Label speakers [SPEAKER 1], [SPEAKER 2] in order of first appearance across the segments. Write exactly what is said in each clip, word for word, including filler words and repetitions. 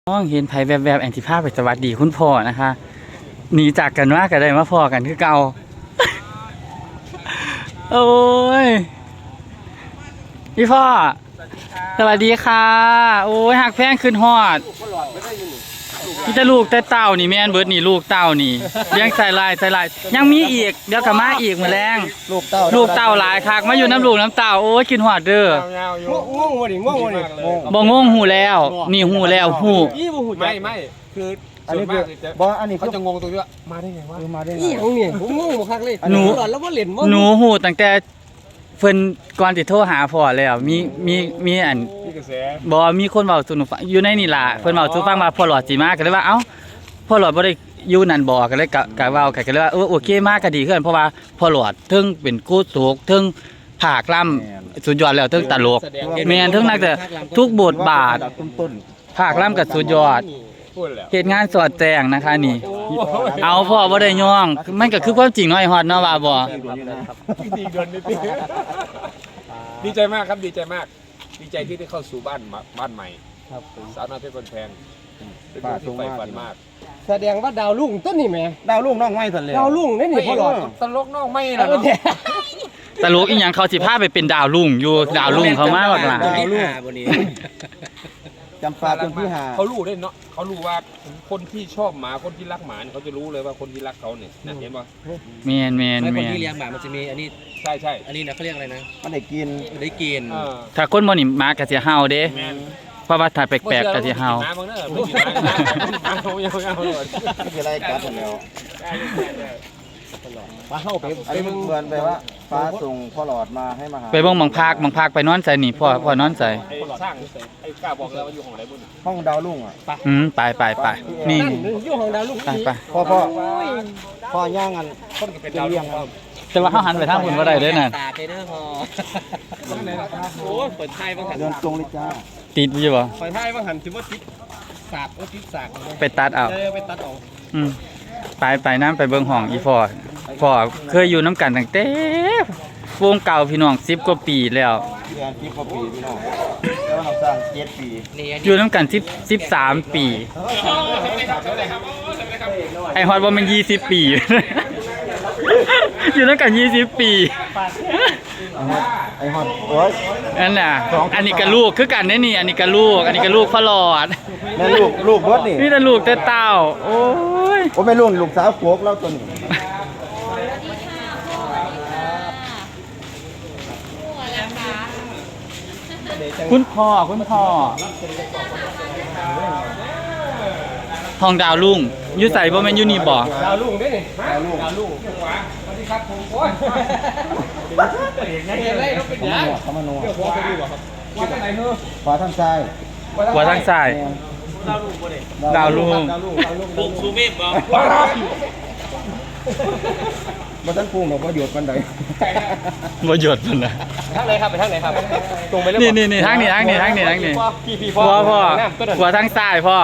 [SPEAKER 1] น้องเห็นไผแวบๆแอนติภาพไปสวัสดีคุณพ่อนะคะหนีจากกันว่ากันได้มาพ่อกันคือเก่าโอ้ยพี่พ่อสวัสดีค่ะโอ้ยหักแพงขึ้นฮอดพี่จะลูกแต่เต่านี่แม่นเบิดนี่ลูกเต่านี่เลี้ยงใส่ลายใส่ลายยังมีอีกเดี๋ยวกลับมาอีกมื้อแรง
[SPEAKER 2] ลูกเต่า
[SPEAKER 1] ลูกเต่าหลายคักมาอยู่น้ำลูกน้ำเต่าโอ้ยกินฮอดเด้อ
[SPEAKER 2] ง่วงบ่ดิง่วงบ่ดิ
[SPEAKER 1] บ่งงหูแล้วนี่หูแล้วหู
[SPEAKER 3] ไม่ไม่คือ
[SPEAKER 2] อันนี้คือบ่อันนี้
[SPEAKER 3] เขาจะงงตรงที่ว่ามาได้ไงวะ
[SPEAKER 2] มาได้ไง
[SPEAKER 3] อีหยังเนี่ยผมงงบ่คักเลย
[SPEAKER 1] หนู
[SPEAKER 3] แล้วบ่เล่นบ่
[SPEAKER 1] หนูหูตั้งแต่เพิ่นก่อนสิโทรหาพ่อแล้วมีมีมีอัน
[SPEAKER 3] มีกระแส
[SPEAKER 1] บ่มีคนเว้าสู่หนูฟังอยู่ในนี่ล่ะเพิ่นเว้าสู่ฟังว่าพ่อหลอดสิมาก็เลยว่าเอ้าพ่อหลอดบ่ได้อยู่นั่นบ่ก็เลยกะกะเว้ากันก็เลยว่าเออโอเคมาก็ดีขึ้นเพราะว่าพ่อหลอดถึงเป็นกูโศกถึงภาคล่ำสุดยอดแล้วถึงตลกแม่นถึงนักแต่ทุกบทบาทภาคล่ำก็สุดยอดเหตุงานสอดแจงนะคะนี่เอาพ่อบ่ได้ย่องมันก็คือความจริงเนาะไอ้ฮอดเนาะว่าบ่
[SPEAKER 3] ดีเดือนนิดดีใจมากครับดีใจมากดีใจที่ได้เข้าสู่บ้านบ้านใหม่ครับสาวน้อยเพชรคนแพงเป็นคนที่ใฝ่ฝันมาก
[SPEAKER 2] แสดงว่าดาวลุ่งต้นนี่แม่
[SPEAKER 4] ดาวลุ่งน้องไม้สันเลย
[SPEAKER 2] ดาวลุ่งนี่นี่พ่อหลอด
[SPEAKER 3] ตลกน้องไม่ล่ะเนาะ
[SPEAKER 1] ตลกอีหยังเขาสิพาไปเป็นดาวลุ่งอยู่ดาวลุ่งเขามาบักหลัง
[SPEAKER 4] ดาวลุ่งบ่นี้จำปาจนพี่หา
[SPEAKER 3] เขารู้ได้เนาะเขารู้ว่าคนที่ชอบหมาคนที่รักหมาเขาจะรู้เลยว่าคนที่รักเขาเนี่ยเห็นป่ะ
[SPEAKER 1] แม่นแม่น
[SPEAKER 4] แม่นคนที่เลี้ยงหมามันจะมีอันนี้
[SPEAKER 3] ใช่ใช่
[SPEAKER 4] อันนี้นะเขาเรียกอะไรนะ
[SPEAKER 2] มันได้กิน
[SPEAKER 4] ได้กิน
[SPEAKER 1] ถ้าคนบ่นี่หมาก็สิเห่าเด้เพราะว่าถ้าแปลกๆก็สิเห่า
[SPEAKER 3] หมาบางเด้อไม่กินหมาหมาเขายังเอาเลย
[SPEAKER 2] ไม่เป็นไรกัดแล้วมาเข้าไปอันนี้เหมือนไปว่าฟ้าส่งพ่อหลอดมาให้มาหา
[SPEAKER 1] ไปเบิ่งบังพากบังพากไปนอนใส่นี่พ่อพ่อนอนใส่
[SPEAKER 3] ไอ้สร้างไอ้กล้าบอกแล้วว่าอยู่ห้องไหนบุญ
[SPEAKER 2] ห้องดาวลุ่งอ่ะ
[SPEAKER 1] อืมไปไปไปนี่
[SPEAKER 3] อยู่ห้องดาวลุ่ง
[SPEAKER 1] ไปไป
[SPEAKER 2] พ่อพ่อพ่อย่างกัน
[SPEAKER 3] คนก็เป็นดาวลุ่ง
[SPEAKER 1] แต่ว่าเฮาหันไปทางพุ่นบ่ได้เด้อน่ะ
[SPEAKER 4] ตาไปเด้อพอโอ้ยเปิดไทยบ้างหัน
[SPEAKER 2] เดินตรงเลยจ้า
[SPEAKER 1] ติดอยู่บ่
[SPEAKER 3] เปิดไทยบ้างหันถือว่าติดสาดว่าติดสาก
[SPEAKER 1] ไปตัดเอา
[SPEAKER 3] เออไปตัดเอา
[SPEAKER 1] อืมไปไปนำไปเบิ่งห้องอีพ่อพ่อเคยอยู่นำกันตั้งแต่วงเก่าพี่น้องสิบกว่าปีแล้ว
[SPEAKER 2] เดือนสิบกว่าปีพี่น้องแล้วเราสร้างเจ็ดปี
[SPEAKER 1] อยู่นำกันสิบ สิบสามปีไอ้ฮอดบ่แม่นยี่สิบปีอยู่นำกันยี่สิบปี
[SPEAKER 2] ไอ้ฮอดโอ้ย
[SPEAKER 1] นั่นน่ะอันนี้ก็ลูกคือกันเด้นี่อันนี้ก็ลูกอันนี้ก็ลูกพ่อหลอด
[SPEAKER 2] แม่ลูกลูกเบิดนี่
[SPEAKER 1] นี่แต่ลูกแต่เต้าโอ้ย
[SPEAKER 2] โอ้แม่ลูกลูกสาวโขกแล้วตัวนี้
[SPEAKER 1] คุณพ่อคุณพ่อทองดาวลุ่งอยู่ใส่บ่แม่นอยู่นี่บ่
[SPEAKER 3] ดาวลุ่งเด้นี่ดาวลุ่งดาวลุ่งขวาสวัสดีครับผมโอ้ยเห็นไงเห็นไรเขาเป็นหยัง
[SPEAKER 2] เขามาโน่
[SPEAKER 3] เดี๋ยวขวาไปดูบ่ครับขวาทางไหนเฮ้อ
[SPEAKER 2] ขวาทางซ้าย
[SPEAKER 1] ขวาทางซ้าย
[SPEAKER 3] ดาวลุ่งบ่ได้
[SPEAKER 1] ดาวลุ่ง
[SPEAKER 3] ดาวลุ่งดาวลุ่ง
[SPEAKER 4] ปุกซูเมฆบ่
[SPEAKER 2] บ่ทันพุ่งหรอกบ่หยุดปานใด
[SPEAKER 1] บ่หยุดปานใด
[SPEAKER 3] ทางไหนครับไปทางไหนครับตรงไปเลย
[SPEAKER 1] นี่ๆๆทางนี้ทางนี้ทางนี้ทางนี้พ่อพ่อขวาทางซ้ายพ่อ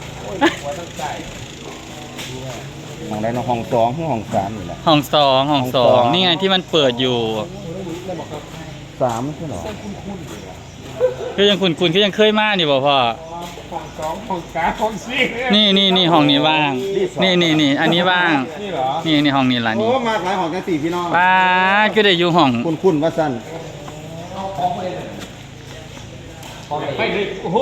[SPEAKER 2] ห้องใดห้องสองห้องสามนี่แหละ
[SPEAKER 1] ห้องสองห้องสองนี่ไงที่มันเปิดอยู่
[SPEAKER 2] สามใช่หรอ
[SPEAKER 1] คือยังคุณคุณคือยังเคยมานี่บ่พ่อ
[SPEAKER 3] ห้องสองห้องสามห้องสี่
[SPEAKER 1] นี่นี่นี่ห้องนี้ว่างนี่นี่นี่อันนี้ว่าง
[SPEAKER 3] นี่เหรอ
[SPEAKER 1] นี่นี่ห้องนี้ล่ะนี่
[SPEAKER 2] โอ้มาหลายห้องกันสี่พี่น้อง
[SPEAKER 1] ป้าก็ได้อยู่ห้อง
[SPEAKER 2] คุณคุณว่าสั้น
[SPEAKER 3] ไปเลยโอ้โห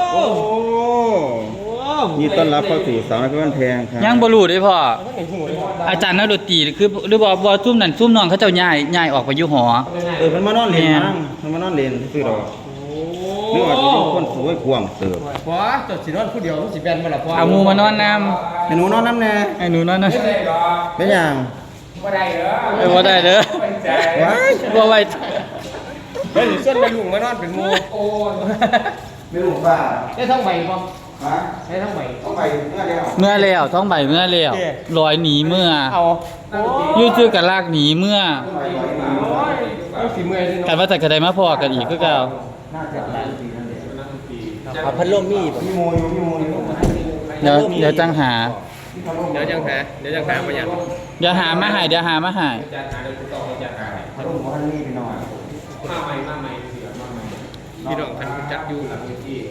[SPEAKER 2] ยินต้อนรับเข้าสู่สาวน้อยเพชรบ้านแพงครับ
[SPEAKER 1] ยังบ่รู้เด้พ่ออาจารย์นักดนตรีคือหรือบ่บ่ซุ่มนั่นซุ่มน้องเขาเจ้าย้ายย้ายออกไปอยู่หอ
[SPEAKER 2] เออมันมานอนเล่นมั้งมันมานอนเล่นซื่อดอกนึกว่าจะมีคนสวยกว้างเติบ
[SPEAKER 3] พ่อจดสินอนผู้เดียวสิแบนบ่ล่ะพ่อ
[SPEAKER 1] เอาหมู่มานอนนำ
[SPEAKER 2] ไอ้หนูนอนนำแน่
[SPEAKER 1] ไอ้หนูนอนนำ
[SPEAKER 2] เป็นหยัง
[SPEAKER 3] บ่ได้เด้อ
[SPEAKER 1] เออบ่ได้เด้อ
[SPEAKER 2] ว้าย
[SPEAKER 1] บ่ไว้
[SPEAKER 3] เฮ้ยส่วนแม่ลุงมานอนเป็นหมู่โอ้
[SPEAKER 2] ไม่รู้ว่า
[SPEAKER 3] ได้ท้องใบบ่
[SPEAKER 2] ฮะ
[SPEAKER 3] ได้ท้องใบ
[SPEAKER 2] ท้องใบเมื่อแล้ว
[SPEAKER 1] เมื่อแล้วท้องใบเมื่อแล้วลอยหนีเมื่อ
[SPEAKER 3] เอา
[SPEAKER 1] อยู่ชื่อกันลากหนีเมื่อ
[SPEAKER 3] สิเมื่อยซิ
[SPEAKER 1] กันว่าแต่ก็ได้มาพอกันอีกคือเก่า
[SPEAKER 2] น่าจะหลายปีนั่นแหละ
[SPEAKER 4] เอาพัดลมมีบ่
[SPEAKER 2] มีโมยมีโมย
[SPEAKER 1] เดี๋ยวเดี๋ยวจังหา
[SPEAKER 3] เดี๋ยวจังหาเดี๋ยวจังหามาหยัง
[SPEAKER 1] เดี๋ยวหามาให้เดี๋ยวหามาให้
[SPEAKER 2] พัดลมพัดนี่พี่น้อง
[SPEAKER 3] มาใหม่มาใหม่พี่น้องคันจัดอยู่หลังที่จัด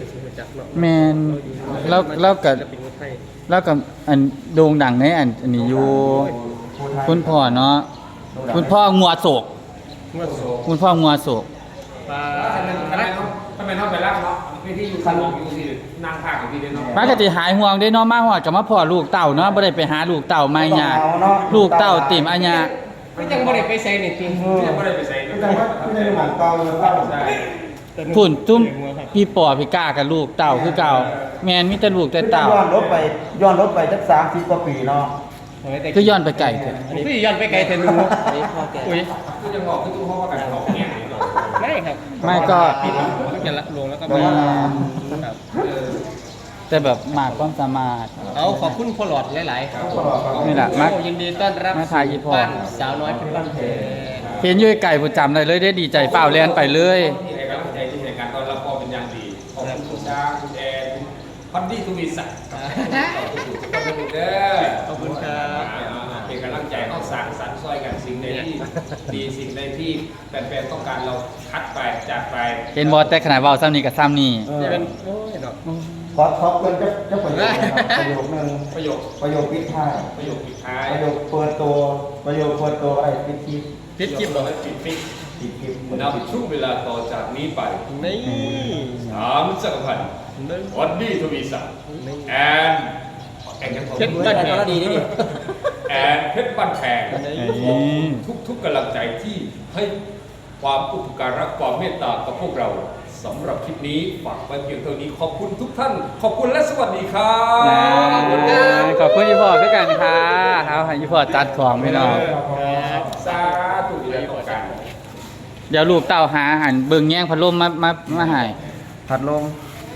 [SPEAKER 4] เนาะ
[SPEAKER 1] แม่นแล้วแล้วก็
[SPEAKER 4] ศิลปินคนไทย
[SPEAKER 1] แล้วก็อันโด่งดังในอันอันนี้อยู่คุณพ่อเนาะคุณพ่องัวโศก
[SPEAKER 4] เมื่อโส
[SPEAKER 1] คุณพ่องัวโศก
[SPEAKER 4] ปลา
[SPEAKER 3] ทำไมทำไมต้องทำไมต้องไปรับเนาะพี่ที่อยู่ข้างนอกอยู่ที่นั่งข้างกับพี่เนาะ
[SPEAKER 1] ปกติหายห่วงได้เนาะมาฮอดก็มาพ่อลูกเต่าเนาะบ่ได้ไปหาลูกเต่าไม่ยาก
[SPEAKER 2] เอาเนาะ
[SPEAKER 1] ลูกเต่าติ่มอัญญา
[SPEAKER 4] ไม่จังบ่ได้ไปใส่นี่ติง
[SPEAKER 3] ยังไม่ได้ไปใส่
[SPEAKER 2] ไม่ใช่ว่าไม่ใช่หมองเก่าเลยเก่า
[SPEAKER 3] ใช่
[SPEAKER 1] พุ่นตุ้มพี่ปอพี่ก้ากับลูกเต่าคือเก่าแม่นมีแต่ลูกแต่เต่า
[SPEAKER 2] ย้อนรถไปย้อนรถไปสักสามสิบกว่าปีเนาะ
[SPEAKER 1] ก็ย้อนไปไกลเถอะ
[SPEAKER 4] อันนี้พี่ย้อนไปไกลเทนูอุ้ย
[SPEAKER 3] คือจะบอกคือตู้ห้องว่ากันของเนี่ย
[SPEAKER 4] ไม่ครับ
[SPEAKER 1] ไม่ก็
[SPEAKER 4] ปิดมันจะละลงแล้วก็
[SPEAKER 1] อื
[SPEAKER 4] มาม ครับ
[SPEAKER 1] แต่แบบมากความสามารถ
[SPEAKER 4] เอาขอบคุณพ่อหลอดหลายๆครับ
[SPEAKER 1] นี่แหละมัก
[SPEAKER 4] โอ้ยินดีต้อนรับ
[SPEAKER 1] มาถ่ายอีพ่อ
[SPEAKER 4] บ้านสาวน้อยเป็นบ้านแพง
[SPEAKER 1] เห็นอยู่ไกลผู้จำได้เลยได้ดีใจเปล่าแล่นไปเลย
[SPEAKER 3] ที่ในกำลังใจที่ในการต้อนรับพ่อเป็นอย่างดีขอบคุณคุณช้างคุณแอนพอดดี้ทุวีสักขอบคุณเด้อ
[SPEAKER 4] ขอบคุณครับ
[SPEAKER 3] เป็นกำลังใจเอาสร้างสรรค์ซอยกันสิ่งใดที่ดีสิ่งใดที่แฟนๆต้องการเราคัดไปจากไป
[SPEAKER 1] เห็นบอแต่ขนาดเว้าซ้ำนี่กับซ้ำนี่
[SPEAKER 2] เออ
[SPEAKER 4] นี่เป็นโอ้ยเนาะ
[SPEAKER 2] ขอท็อปกันจะจะประโยคนะครับประโยคนึง
[SPEAKER 3] ประโยค
[SPEAKER 2] ประโยคปิดท้าย
[SPEAKER 3] ประโยคปิดท้าย
[SPEAKER 2] ประโยคเปิดตัวประโยคเปิดตัวไอ้ปิดคลิป
[SPEAKER 4] พิดคลิปเหรอ
[SPEAKER 3] ปิดฟิก
[SPEAKER 2] ปิดคลิป
[SPEAKER 3] นับช่วงเวลาต่อจากนี้ไป
[SPEAKER 4] นี่
[SPEAKER 3] สามจักรพันธ์
[SPEAKER 4] นี่
[SPEAKER 3] วันดี้ทวีศักดิ์แอนแอนยัง
[SPEAKER 4] เพชรบ้านแพงดีนี่
[SPEAKER 3] แอนเพชรบ้านแพง
[SPEAKER 1] อืม
[SPEAKER 3] ทุกทุกๆกำลังใจที่ให้ความอุปการะความเมตตากับพวกเราสำหรับคลิปนี้ฝากไว้เพียงเท่านี้ขอบคุณทุกท่าน ขอบคุณและสวัสดีครับ
[SPEAKER 1] นะขอบคุณอีพ่อด้วยกันค่ะเอาให้อีพ่อจัดของพี่น้อง
[SPEAKER 3] สาธุที่ได้ต้องการ
[SPEAKER 1] เดี๋ยวลูกเต้าหาอาหารเบิ่งแย่งพัดลมมามามาให้
[SPEAKER 2] พัดลม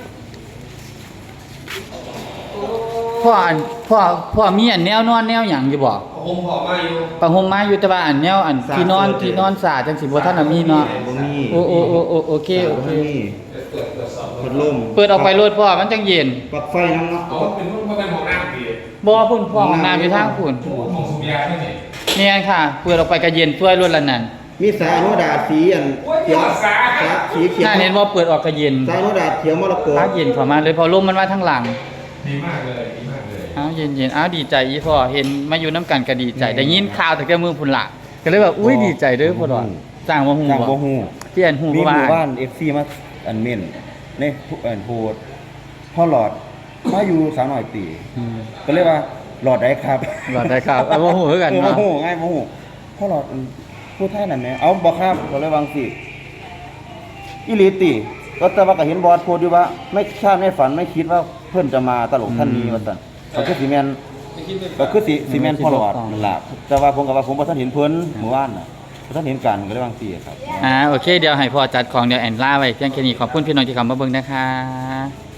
[SPEAKER 1] พ่ออันพ่อพ่อมีอันแนวนอนแนวหยังอยู่บ่
[SPEAKER 3] ผมขอมาอยู่
[SPEAKER 1] ประหมมาอยู่แต่ว่าอันแนวอันที่นอนที่นอนสาจังสิบ่ทันน่ะมีเนาะ
[SPEAKER 2] บ่มี
[SPEAKER 1] โอ้โอ้โอ้โอ้โอเคโอเค
[SPEAKER 2] บ่มี
[SPEAKER 3] เปิดเปิดสอบ
[SPEAKER 2] พัดลม
[SPEAKER 1] เปิดออกไปโลดพ่อมันจังเย็น
[SPEAKER 2] ปลั๊กไฟน้ำเนาะ
[SPEAKER 3] เอาเป็นพวกเป็นของน้ำดี
[SPEAKER 1] บ่พุ่นพ่อห้องน้ำอยู่ทางพุ่น
[SPEAKER 3] ของสุริยาที่นี่
[SPEAKER 1] เนี่ยค่ะเปิดออกไปก็เย็นช่วยรถละนั่น
[SPEAKER 2] มีสายอนุดาตสีอันเขียวสายสีเขียว
[SPEAKER 1] น่าเห็นว่าเปิดออกก็เย็น
[SPEAKER 2] สายอนุดาตเขียวมรกต
[SPEAKER 1] พักเย็นเข้ามาเลยพอลมมันมาทางหลัง
[SPEAKER 3] ดีมากเลยดีมากเลย
[SPEAKER 1] อ้าวเย็นๆอ้าวดีใจอีพ่อเห็นมาอยู่น้ำกันก็ดีใจได้ยินข่าวแต่แกมือพุ่นละก็เลยแบบอุ้ยดีใจเด้อพ่อดอนจ้างบ่ฮู้
[SPEAKER 2] จังบ่
[SPEAKER 1] บ่
[SPEAKER 2] ฮู้
[SPEAKER 1] เปลี่ยนฮู้
[SPEAKER 2] มี
[SPEAKER 1] เพราะ
[SPEAKER 2] ห
[SPEAKER 1] ว่า
[SPEAKER 2] มู่บ้าน เอฟ ซี มาอันเม่นในอันโพดพ่อหลอดมาอยู่สาวน้อยปี
[SPEAKER 1] อืม
[SPEAKER 2] ก็เลยว่าหลอดได้ครับ
[SPEAKER 1] หลอดได้ครับเอาบ่ฮู้คือกัน
[SPEAKER 2] เออบ่
[SPEAKER 1] เนาะ
[SPEAKER 2] ฮู้ง่ายบ่ฮู้พ่อหลอดอันพูดไทยนั่นแหมเอาบ่ครับก็เลยวาจั่งสิอีหลีติก็แต่ว่าก็เห็นบอสโพสต์อยู่ว่า ไม่คาดไม่ฝันไม่คิดว่าเพิ่นจะมาตลกท่านนี้ว่าซั่นก็คือสิแม่น
[SPEAKER 3] ไม่คิดไม่
[SPEAKER 2] ก็คือสิสิแม่นพ่อหลอดนั่นล่ะแต่ว่าผมก็ว่าผมบ่ทันเห็นเพิ่นเมื่อวานน่ะบ่ทันเห็นกันก็เลยวาจั่งสิครับ
[SPEAKER 1] อ่าโอเคเดี๋ยวให้พ่อจัดของเดี๋ยวแอนล่าไว้เพียงแค่นี้ขอบคุณพี่น้องที่เข้ามาเบิ่งนะคะ